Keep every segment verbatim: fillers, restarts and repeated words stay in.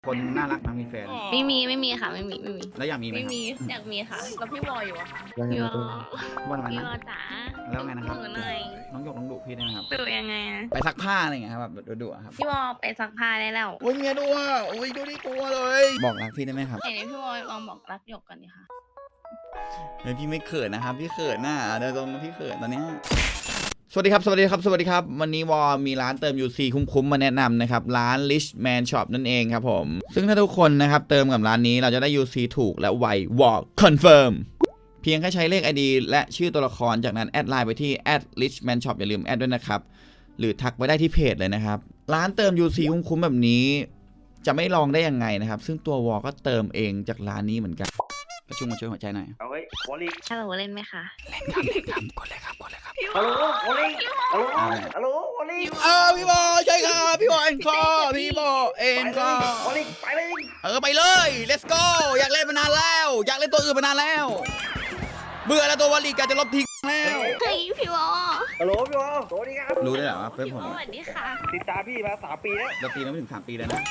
คนน่ารักนะมีแฟนไม่มีไม่มีค่ะไม่มีไม่มีแล้วอยากมีไหมไม่มีอยากมีค่ะแล้วพี่วออยู่อะค่ะยังไงพี่วอว่าทำไมพี่นะวอจ๋าแล้วไงนะครับหนูหน่อยน้องหยกน้องดุพี่ได้ไหมครับดูยังไงอะไปซักผ้าอะไรอย่างเงี้ยครับแบบดุๆอะครับพี่วอไปซักผ้าได้แล้วโอ้ยเมียดูอ่ะโอ้ยดูดิกลัวเลยบอกรักพี่ได้ไหมครับไหนๆพี่วอลองบอกรักหยกกันดิค่ะเฮ้ยพี่ไม่เขินนะครับพี่เขินน่ะเดี๋ยวตรงพี่เขินตอนเนี้ยสวัสดีครับสวัสดีครับสวัสดีครับวันนี้วอมีร้านเติม ยู ซี คุ้มๆมาแนะนำนะครับร้าน Richman Shop นั่นเองครับผมซึ่งถ้าทุกคนนะครับเติมกับร้านนี้เราจะได้ ยู ซี ถูกและไววอ Confirm เพียงแค่ใช้เลข ไอ ดี และชื่อตัวละครจากนั้นแอดไลน์ไปที่ แอท richman shop อย่าลืมแอดด้วยนะครับหรือทักไปได้ที่เพจเลยนะครับร้านเติม ยู ซี คุ้มๆแบบนี้จะไม่ลองได้ยังไงนะครับซึ่งตัววอก็เติมเองจากร้านนี้เหมือนกันประชุมมาช่วยหัวใจหน่อยเอาไว้วอลลี่ฮัลโหลเล่นไหมคะเล่นครับเล่นครับกดเลยครับกดเลยครับฮัลโหลวอลลี่ฮัลโหลฮัลโหลวอลลี่เออพี่บอใช่ครับพี่บอเอ็นคอพี่บอเอ็นคอวอลลี่ไปเลยเออไปเลย let's go อยากเล่นมานานแล้ว อยากเล่นตัวอื่นมานานแล้ว เบื่อแล้วตัววอลลีกาจะลบทิ้งแล้วเฮ้ยพี่วอฮัลโหลพี่วอลสวัสดีครับรู้ได้เหรอว่าเพื่อนพี่ผวอมสวัสดีค่ะติดตามพี่มาสามปีแล้วเราตีมาไม่ถึงสามปีแล้วนะ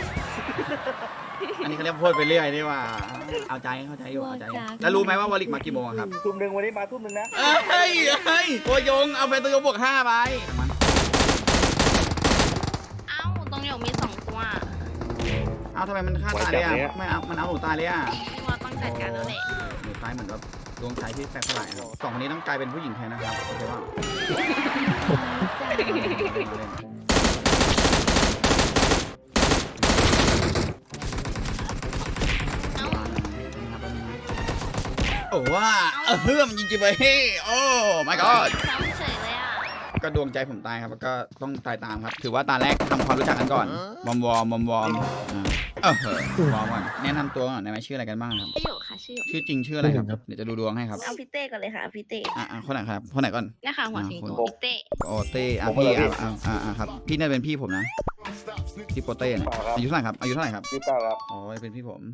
อันนี้เขาเรียกพูดไปเรื่อยนี่ว่า เอาใจเข้าใจอยู่เอาใจแล้วรู้ไหมว่าวอลลีกมากี่โมงครับทุ่มหนึ่งวันนี้มาทุ่มหนึ่งนะเฮ้ยเฮ้ยตัวยงเอาแฟนตัวยงบวกห้าไปเอ้าตรงหยกมีสองตัวเอาทำไมมันฆ่าตายเลยอ่ะไม่เอามันเอาหนูตายเลยอ่ะพี่วอต้องจัดการแล้วแหละหนูตายเหมือนแบบดวงใจที่แตกสลายครับสองคนนี้ต้องกลายเป็นผู้หญิงแทนนะครับโอเคว่า โอ้ว่าเออเฮือมจริงๆไปโอ้ my god ซ้ำเฉยเลยอ่ะก็ดวงใจผมตายครับแล้วก็ต้องตายตามครับถือว่าตาแรกทำความรู้จักกันก่อนวอมวอมวอมวอมเออวอมก่อนแนะนำตัวก่อนได้ไหมชื่ออะไรกันบ้างครับชื่อหยกค่ะชื่อหยกชื่อจริงชื่ออะไรครับเดี๋ยวจะดูดวงให้ครับเอาพี่เต้ก่อนเลยค่ะเอาพี่เต้อ่ะคนไหนครับคนไหนก่อนเนี่ยค่ะหัวสิงโตพี่เต้โอเต้อ่ะพี่อ่ะอ่ะอ่ะอ่ะครับพี่น่าเป็นพี่ผมนะพี่โปเต้เนี่ยอายุเท่าไหร่ครับอายุเท่าไหร่ครับยี่สิบเก้าครับอ๋อเป็นพี่ผม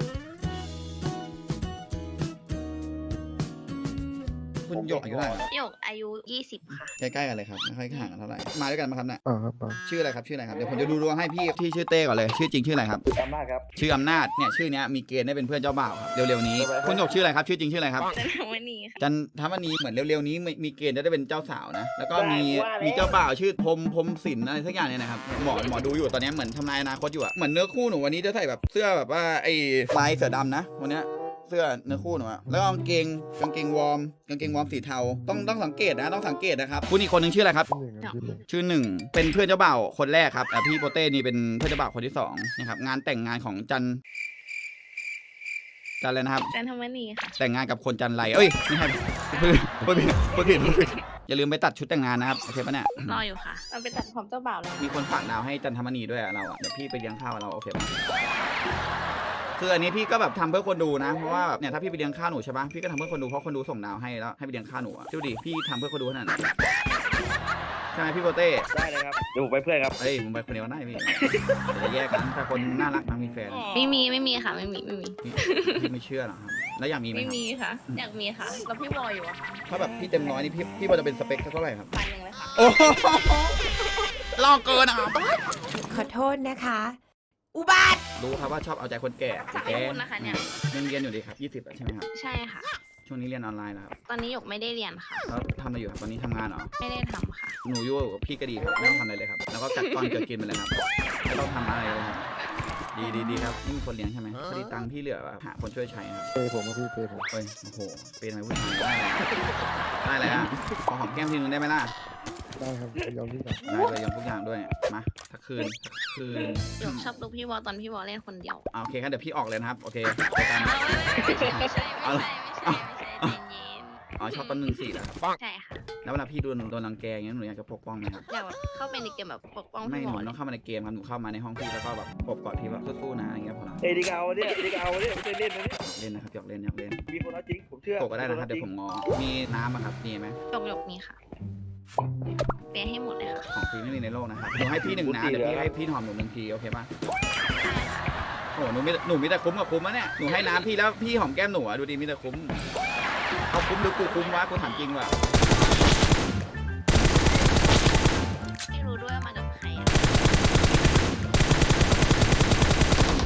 คุณหยกอายุเท่าไหร่ครับหยกอายุยี่สิบค่ะใกล้ๆกันเลยครับไม่ค่อยห่างกันเท่าไหร่มาด้วยกันไหมครับเนี่ยอ่าครับอ่าชื่ออะไรครับชื่ออะไรครับเดี๋ยวผมจะดูดวงให้พี่ที่ชื่อเต้ก่อนเลยชื่อจริงชื่ออะไรครับติดตามมากครับชื่ออำนาจเนี่ยชื่อเนี้ยมีเกณฑ์ได้เป็นเพื่อนเจ้าบ่าวครับเร็วๆนี้คุณหยกชื่ออะไรครับชื่อจริงชื่ออะไรครับจันทวันนี้ค่ะจันทมณีเหมือนเร็วๆนี้มีมีเกณฑ์จะได้เป็นเจ้าสาวนะแล้วก็มีมีเจ้าบ่าวชื่อพรมพรมศิลป์อะไรสักอย่างเนี่ยนะครับหมอหมอดูอยู่ตอนนี้เหมือนทำนายอนาคตอยู่อะเหมือนเนื้อคู่หนูวันนี้จะใส่แบบเสื้อแบบว่าไอ้ลายเสือดำนะวันเนี้ยเสื้อเนื้อคู่หนูอะแล้วกางเกงกางเกงวอร์มกางเกงวอร์มสีเทาต้องต้องสังเกตนะต้องสังเกตนะครับคุณอีกคนนึงชื่ออะไรครับหนึ่งครับที่หนึ่งชื่อหนึ่งเป็นเพื่อนเจ้าบ่าวคนแรกครับแต่พี่โปเต้นี่เป็นเพื่อนเจ้าบ่าวคนที่สองนะครับงานแต่งงานของจันจันเลยนะครับจันทวันนี้ค่ะแต่งงานกับคนจันไรเอ้ยไม่ใช่พูดพูดผิดพูดผิดพูดผิดอย่าลืมไปตัดชุดแต่งงานนะครับโอเคปะเนี่ยรออยู่ค่ะเราไปตัดผมเจ้าบ่าวเลยมีคนฝากดาวให้จันทมณีด้วยอะเราอะเดี๋ยวพี่ไปเลี้ยงข้าวเราโอเคปะคืออันนี้พี่ก็แบบทำเพื่อคนดูนะเพราะว่าแบบเนี่ยถ้าพี่ไปเลี้ยงข้าวหนูใช่ปะพี่ก็ทำเพื่อคนดูเพราะคนดูส่งดาวให้แล้วให้ไปเลี้ยงข้าวหนูอะดูดิพี่ทำเพื่อคนดูขนาดนั้นใช่ไหมพี่โปเต้ได้เลยครับเดี๋ยวผมไปเพื่อนครับเอ้ยผมไปคนเดียวได้พี่เดี๋ยวจะแยกกันถ้าคนน่ารักนะมีแฟนไม่มีไม่มีค่ะไม่มีไม่มีพี่พี่ไม่เชื่อหรอครับแล้วอยากมีไหมไม่ครับมีค่ะ อยากมีค่ะแล้วพี่วออยู่อะค่ะถ้าแบบพี่เต็มร้อยนี่พี่พี่พอจะเป็นสเปคเท่าไหร่ครับพันหนึ่งเลยค่ะโอ้โหลอกเกินอ่ะขอโทษนะคะ อุบาทรู้ครับว่าชอบเอาใจคนแก่สายแก่บุญนะคะเนี่ยยังเรียนอยู่ดีครับยี่สิบใช่ไหมครับใช่ค่ะช่วงนี้เรียนออนไลน์แล้วครับตอนนี้หยกไม่ได้เรียนค่ะแล้วทำอะไรอยู่ครับตอนนี้ทำงานเหรอไม่ได้ทำค่ะหนูอยู่กับพี่ก็ดีครับไม่ต้องทำอะไรเลยครับแล้วก็กัดก้อนเกิดกินไปเลยครับไม่ต้องทำอะไรเลยครับดีดีดีครับนี่มีคนเลี้ยงใช่ไหมพอดีตังค์พี่เหลือแบบหาคนช่วยใช้ครับเปย์ผมครับพี่เปย์ผมเฮ้ยโอ้โหเป็นอะไรผู้ชายได้เลยได้เลยอ่ะขอหอมแก้มทีนึงได้ไหมล่ะได้ครับยอมพี่ครับได้เลยยอมทุกอย่างด้วยมาทักคืนทักคืนหยกชอบดูพี่วอตอนพี่วอเล่นคนเดียวอ่าโอเคครับเดี๋ยวพี่ออกเลยนะครับโอเคไปกันไม่ใช่ไม่ใช่ไม่ใช่ไม่ใช่ไม่ใช่ใจเย็นอ๋อชอบต้นหนึ่งสี่เหรอครับใช่ค่ะแล้วเวลาพี่โดนโดนรังแกอย่างเงี้ยหนูอยากจะปกป้องไหมครับอยากแบบเข้าไปในเกมแบบปกป้องไม่พี่หวนูอต้องเข้ามาในเกมครับหนูเข้ามาในห้องพี่แล้วก็แบบปกกอดพี่แบบสู้ๆนะอย่างเงี้ยพอละเอ้ยดีกเอาเนี่ยดีกเอาเนี่ยไม่ใช่เล่นนะเนี่ยเล่นนะครับอยากเล่นอยากเล่นมีคนเอาจริงผมเชื่อปกก็ได้นะครับเดี๋ยวผมงอมีน้ำอะครับมีไหมหยกหยกมีค่ะเปย์ให้หมดเลยค่ะของฟรีไม่มีในโลกนะครับหนูให้พี่หนึ่งน้ำเดี๋ยวพี่ให้พี่หอมหนูหนึ่งทีโอเคป่ะโอ้หนูมีหนูมีแต่คุ้มกับคุ้มอะเนี่ยหนูให้น้ำพี่แล้วพี่หอมแก้มหนูอะดูดีมีแต่คุ้มเอาคุ้มหรือกูคุ้มวะกูถามจริงว่ะไม่รู้ด้วยว่ามากับใครอะ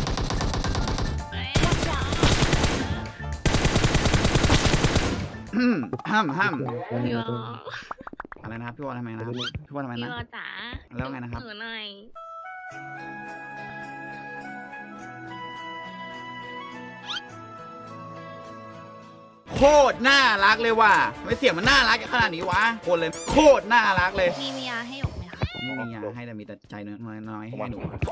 อืมห้ามห้ามพี่วออะไรนะครับพี่วอลทำไมนะครับพี่วอลทำไมพี่นะวอจ๋าแล้วไงนะครับหนูหน่อยโคตรน่ารักเลยว่ะไม่เสียงมันน่ารักขนาดนี้วะคนเลยโคตรน่ารักเลยมีมียาให้หยกไหมคะไม่มียาให้แต่มีแต่ใจน้อยน้อยๆให้หนูรัก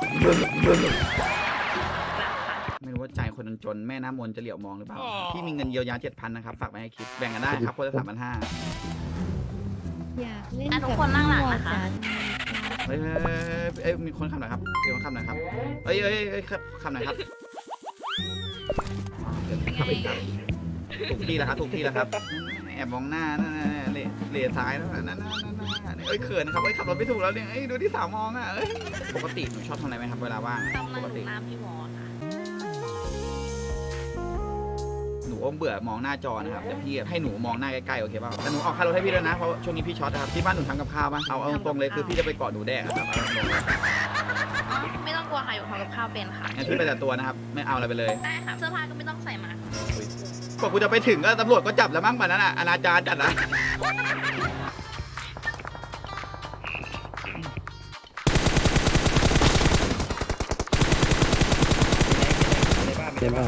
ค่ะไม่รู้ว่าใจคนจนๆแม่น้ำมนต์จะเหลียวมองหรือเปล่าพี่มีเงินเยียวยาเจ็ดพันนะครับฝากไว้ให้คิดแบ่งกันได้ครับคนละสามพันห้าอยากเล่นอ่ะกับทุกคนนั่งหลังนะคะเฮ้ยเฮ้ยเฮ้ยเอ้ยมีคนขับหน่อยครับมีคนขับหน่อยครับเอ้ยเอ้ยเอ้ยขับขับหน่อยครับเดี๋ยวขับไปครับถูกที่แล้วครับถูกที่แล้วครับแอบมองหน้านั่นน่ะเหล่เหล่ซ้ายนั่นน่ะนั่นน่ะนั่นน่ะเอ้ยเขินครับเอ้ยขับรถไม่ถูกแล้วเนี่ยเอ้ยดูที่สาวมองอ่ะเอ้ยปกติหนูชอบทำอะไรไหมครับเวลาว่างอะกำลัปงกติตามพี่วอค่ะหนูอมเบื่อมองหน้าจอนะครับเดี๋ยวพี่ให้หนูมองหน้าใกล้ๆโอเคเปล่าแต่หนูออกค่ารถให้พี่ด้วยนะเพราะช่วงนี้พี่ช็อตนะครับที่บ้านหนูทำกับข้าวป่ะเอาเอาตรงๆเลยคือพี่จะไปเกาะหนูแดกอะครับเอาตรงๆเลยอ๋อไม่ต้องกลัวค่ะหยกทำกับข้าวเป็นค่ะงั้นพี่ไปแต่ตัวนะครับไม่เอาอะไรไปเลยได้ค่ะ เสื้อผ้าก็ไม่ต้องใส่มากว่ากูจะไปถึงก็ตำรวจก็จับแล้วมั้งป่านนั้นอ่ะอนาจารจัดนะในบ้านเต็มมาก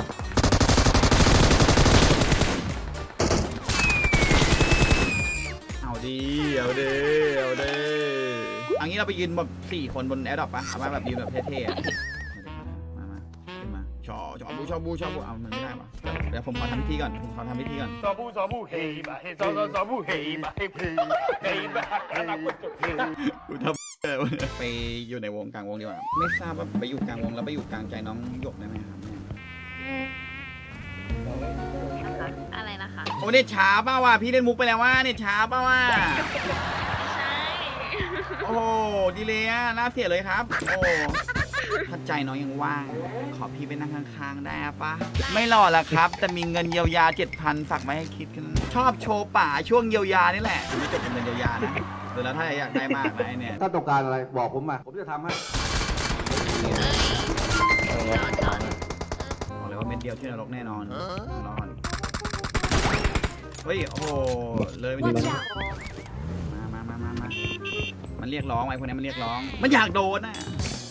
เอาดีเอาดีเอาดีอันนี้เราไปยืนแบบสี่คนบนแอร์ดรอปปะเอามาแบบยืนแบบเท่ๆอะมามาขึ้นมาชอชอบูชอบูชอบูเอามันไม่ได้ปะเดี๋ยวเดี๋ยวผมขอทำพิธีก่อนผมขอทำพิธีก่อนซอบูซอบูเฮบะเฮซอซอซอบูเฮบะเฮพีเฮบะกะละกุจุเฮกูทำไปอยู่ในวงกลางวงดีกว่าไม่ทราบว่าไปอยู่กลางวงแล้วไปอยู่กลางใจน้องหยกได้ไหมครับเนี่ยนะคะอะไรนะคะโอ้เนี่ยช้าเปล่าว่ะพี่เล่นมุกไปแล้วว่าเนี่ยช้าเปล่าว่ะไม่ใช่โอ้โหดีเลยอ่ะน่าเสียเลยครับโอ้ถ้าใจน้องยังว่างขอพี่ไปนั่งข้างๆได้ปะไม่หล่อละครับ แต่มีเงินเยียวยาเจ็ดพันฝากไว้ให้คิดกันชอบโชว์ป่าช่วงเยียวยานี่แหละไม่จบเป็นเงินเยียวยานะเดี๋ยวแล้วถ้าอยากได้มากนะไอเนี่ยถ้าต้องการอะไรบอกผมมา ผมจะทำให้เอ้ยจอดจอดบอกเลยว่าเม็ดเดียวที่นรกแน่นอนรอดเฮ้ย โอ้โห เลยไปนิดนึงมามามามามามันเรียกร้องไอ้พวกนี้มันเรียกร้อง มันอยากโดนอ่ะ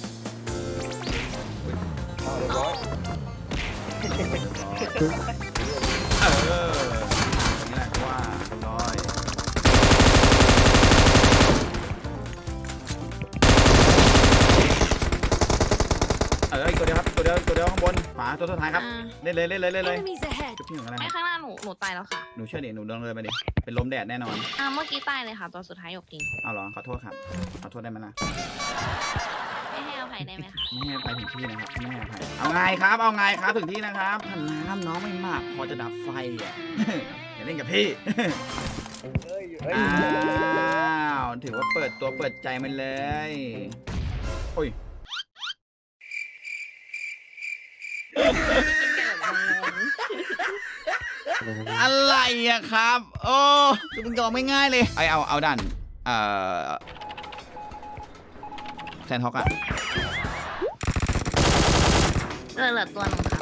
เอาเรียบร้อยเออนี่แหละว่าร้อยเอออีกตัวเดียวครับ ตัวเดียวตัวเดียวข้างบนขวาตัวสุดท้ายครับอ่าเล่นเลยเล่นเลยเล่นเลย Enemies ahead จุดที่หนึ่งอะไรไม่ครับข้างหน้าหนูหนูตายแล้วค่ะหนูเชื่อดิหนูเดินเลยไปดิ เป็นลมแดดแน่นอนอ่าเมื่อกี้ตายเลยค่ะ ตัวสุดท้ายหยกจริงเอาเหรอ ขอโทษครับ ขอโทษได้ไหมล่ะไม่ให้อภัยได้ไหมคะไม่ให้ไปถึงที่นะครับไม่ให้อภัยเอาไงครับ เอาไงครับถึงที่นะครับถ้าน้ำน้องไม่มากพอจะดับไฟอ่ะ อย่าเล่นกับพี่เฮ้ยเฮ้ยอ้าวถือว่าเปิดตัวเปิดใจมันเลย โอ้ย อะไรอะครับ โอ้คือมันยอมไม่ง่ายเลยไอเอาเอาดันเอ่อแซนท็อกอะเหลือเหลือตัวหนึงครับ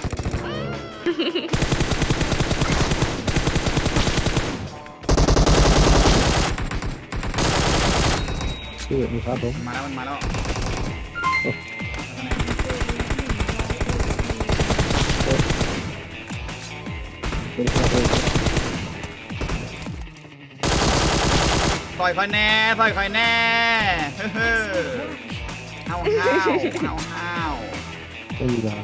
พี่มีครับผมมาแล้วมันมาแล้วเป็นครับผมต่อยคอยแน่ต่อยคอยแน่เฮ้อเอาห้าวเอาห้าวไม่มียา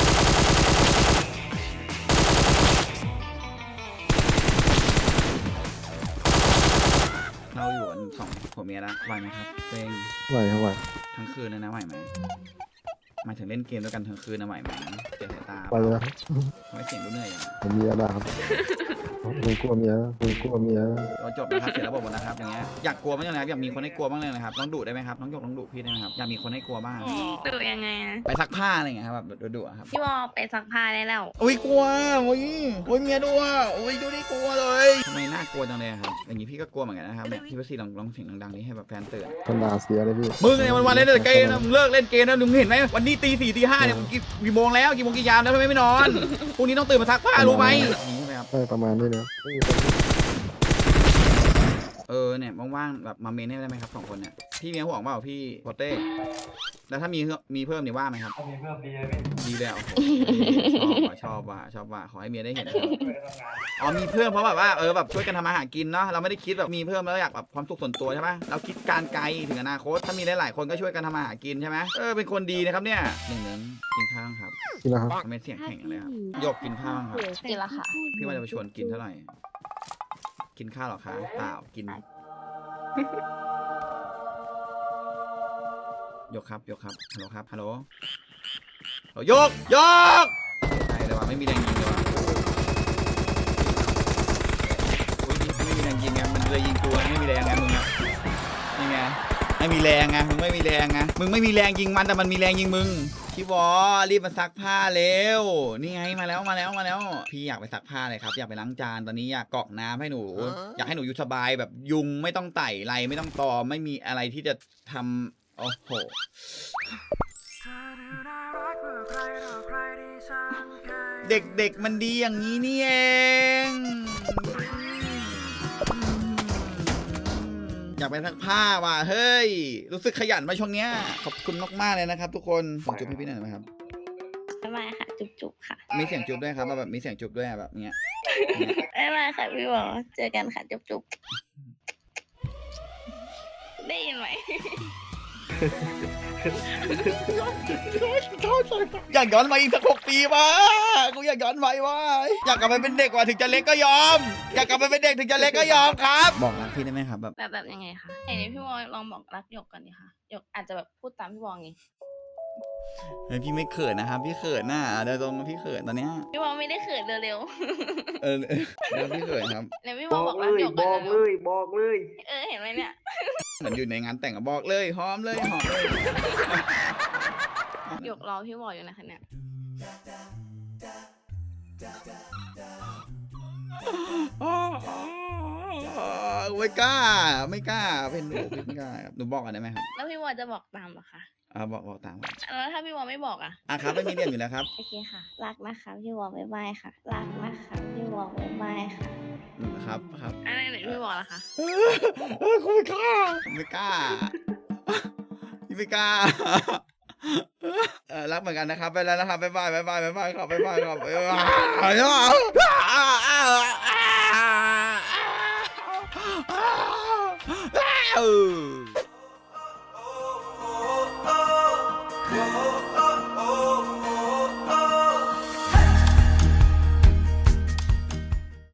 เราอยู่กันสองผัวเมียแล้วไหวไหมครับเซ็งไหวครับไหวทั้งคืนเลยนะไหวไหมหมายถึงเล่นเกมด้วยกันทั้งคืนนะไหวไหมเจ็บสายตาไปเลยครับทำไมเสียงดูเหนื่อยอย่างผมมียาบ้าครับผมกลัวเมียผมกลัวเมียเราจบนะครับเสร็จแล้วบอกหมดนะครับอย่างเงี้ยอยากกลัวบ้างเลยครับอยากมีคนให้กลัวบ้างเลยนะครับน้องดุได้ไหมครับน้องหยกน้องดุพี่ได้ไหมครับอยากมีคนให้กลัวบ้างดูยังไงอะไปซักผ้าอะไรอย่างเงี้ยครับแบบดุๆอะครับพี่วอไปซักผ้าได้แล้วโอ้ยกลัวโอ้ยโอ้ยเมียดุอ่ะโอ้ยดูดิกลัวเลยทำไมน่ากลัวจังเลยอะครับอย่างงี้พี่ก็กลัวเหมือนกันนะครับเนี่ยพี่ประสิทธิ์ลองลองเสียงดังๆนี้ให้แบบแฟนตื่นคนด่าเสียเลยพี่มึงเนี่ยวันวันๆเล่นแต่เกมนะมึงเลิกเล่นเกมนะมึงเห็นไหมวันนี้ตีสี่ตีห้าเนี่ยมึงกี่กี่โมงแล้วกี่โมงกี่ยามแล้วทำไมไม่นอนพรุ่งนี้ต้องตื่นมาซักผ้ารู้ไหมอย่างนี้ใช่ไหมครับใช่ประมาณนี้เลยไม่มีคนเออเนี่ยว่างๆแบบมาเมนให้ได้ไหมครับสองคนเนี่ยพี่มีห่วงเปล่าพี่โปเต้แล้วถ้ามีมีเพิ่มนี่ว่าไหมครับมีเพิ่มดีเลยดีเลยโอ้โหชอบว่ะชอบว่ะชอบว่ะขอให้เมียได้เห็นอ๋อมีเพิ่มเพราะแบบว่าเออแบบช่วยกันทำอาหารกินเนาะเราไม่ได้คิดแบบมีเพิ่มแล้วอยากแบบความสุขส่วนตัวใช่ไหมเราคิดการไกลถึงอนาคตถ้ามีหลายๆคนก็ช่วยกันทำอาหารกินใช่ไหมเออเป็นคนดีนะครับเนี่ยหนึ่งหนึ่งกินข้าวครับกินแล้วครับทำไมเสียงแข็งเลยครับหยกกินข้าวครับกินละค่ะพี่ว่าจะไปชวนกินเท่าไหร่กินข้าวหรอคะเปล่ากินยกครับยกครับฮัลโหลครับฮัลโหลฮัลโหลยกยกใช่เลยว่ะไม่มีแรงยิงเลยว่ะโอ้ยไม่มีแรงยิงไงมันเลยยิงตัวไม่มีแรงไงมึงอะนี่ไงไม่มีแรงไงมึงไม่มีแรงไงมึงไม่มีแรงยิงมันแต่มันมีแรงยิงมึงพี่วอรีบมาซักผ้าเร็วนี่ไงมาแล้วมาแล้วมาแล้วพี่อยากไปซักผ้าเลยครับอยากไปล้างจานตอนนี้อยากกรอกน้ำให้หนูอยากให้หนูอยู่สบายแบบยุงไม่ต้องไต่ไรไม่ต้องตอมไม่มีอะไรที่จะทำโอ้โหเด็กๆมันดีอย่างนี้นี่เองอยากไปซักผ้าว่ะเฮ้ยรู้สึกขยันมาช่วงเนี้ยขอบคุณมากๆเลยนะครับทุกคนขอจุ๊บให้พี่หน่อยไหมครับบ๊ายบายค่ะ จุ๊บๆค่ะมีเสียงจุ๊บด้วยครับแบบมีเสียงจุ๊บด้วยแบบเนี้ยบ๊ายบายค่ะพี่วอเจอกันค่ะ จุ๊บๆได้ยินไหมอยากย้อนมาอีกสักหกปีวะกูอยากย้อนไปวะอยากกลับไปเป็นเด็กกว่าถึงจะเล็กก็ยอม อยากกลับไปเป็นเด็กถึงจะเล็กก็ยอมครับบอกรักพี่ได้ไหมครับแบบแบบแบบยังไงคะไหนพี่วอลองบอกรักหยกก่อนดิค่ะหยกอาจจะแบบพูดตามพี่วอไงเฮ้ยพี่ไม่เขินนะครับพี่เขินน่ะเดี๋ยวตรงพี่เขินตอนเนี้ยพี่วอไม่ได้เขินเร็วเออเดี๋ยวพี่เขินครับๆแล้วพี่วบออบอก กเลรักยหยกบก่ออน กเร็เลวยบอกเลยๆเออเห็นไหมเนี่ยเหมือนอยู่ในงานแต่งอะบอกเลยหอมเลยหอมเลยหยกรอพี่วออยู่นะคะเนี่ยไม่กล้าไม่กล้าเป็นหนูพี่ไม่กล้าครับหนูบอกกันได้ไหมครับแล้วพี่วอจะบอกตามเหรอคะอ่าบอกบอกตามครับแล้วถ้าพี่วอไม่บอกอ่ะอ่ะครับไม่มีเรียนอยู่แล้วครับโอเคค่ะ รักนะคะพี่วอบ๊ายบายค่ะ รักนะคะพี่วอบ๊ายบายค่ะอืมครับครับอะไรไหนพี่วอล่ะคะเออกูไม่กล้าไม่กล้าพี่ไม่กล้าเออรักเหมือนกันนะครับไปแล้วนะครับบ๊ายบายบ๊ายบายบ๊ายบายครับบ๊ายบายครับบ๊ายบาย